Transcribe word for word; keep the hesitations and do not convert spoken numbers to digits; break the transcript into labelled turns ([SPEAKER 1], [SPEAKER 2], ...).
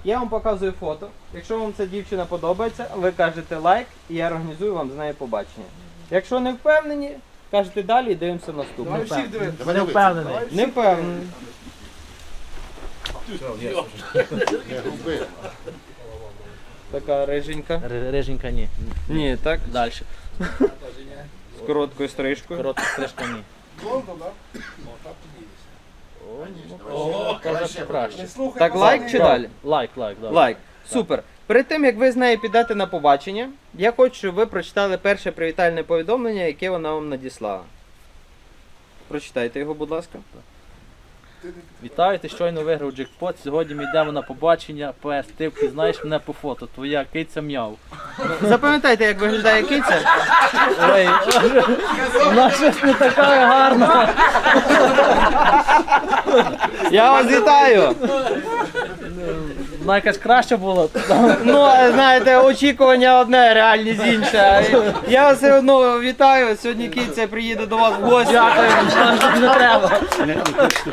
[SPEAKER 1] Я вам показую фото. Якщо вам ця дівчина подобається, ви кажете лайк і я організую вам з нею побачення. Якщо не впевнені, кажете далі і дивимося наступне.
[SPEAKER 2] Давай всіх дивитися.
[SPEAKER 3] Давай
[SPEAKER 4] Не
[SPEAKER 3] дивитися.
[SPEAKER 4] впевнений.
[SPEAKER 1] Не впевнений.
[SPEAKER 3] Не губи.
[SPEAKER 1] Така риженька.
[SPEAKER 4] Ри- Риженька ні.
[SPEAKER 1] Ні, так.
[SPEAKER 4] Далі.
[SPEAKER 1] З короткою стрижкою.
[SPEAKER 4] Коротка стрижка ні.
[SPEAKER 2] Блондо, так?
[SPEAKER 4] О, каже, що краще.
[SPEAKER 2] Не слухай
[SPEAKER 1] Так, лайк чи
[SPEAKER 2] пацанів.
[SPEAKER 1] далі?
[SPEAKER 4] Лайк, лайк, да.
[SPEAKER 1] Лайк. Супер. Перед тим, як ви з нею підете на побачення, я хочу, щоб ви прочитали перше привітальне повідомлення, яке вона вам надіслала. Прочитайте його, будь ласка.
[SPEAKER 4] Вітаю, ти щойно виграв джекпот. Сьогодні ми йдемо на побачення. П С. Ти впізнаєш мене по фото. Твоя киця м'яв.
[SPEAKER 1] Запам'ятайте, як виглядає киця.
[SPEAKER 4] Ой, вона щось не така гарна.
[SPEAKER 1] Я вас вітаю!
[SPEAKER 4] Вона якась краща була.
[SPEAKER 1] Ну, знаєте, очікування одне, реальність інша. Я вас все одно вітаю. Сьогодні киця приїде до вас в гості.
[SPEAKER 4] Дякую, не треба.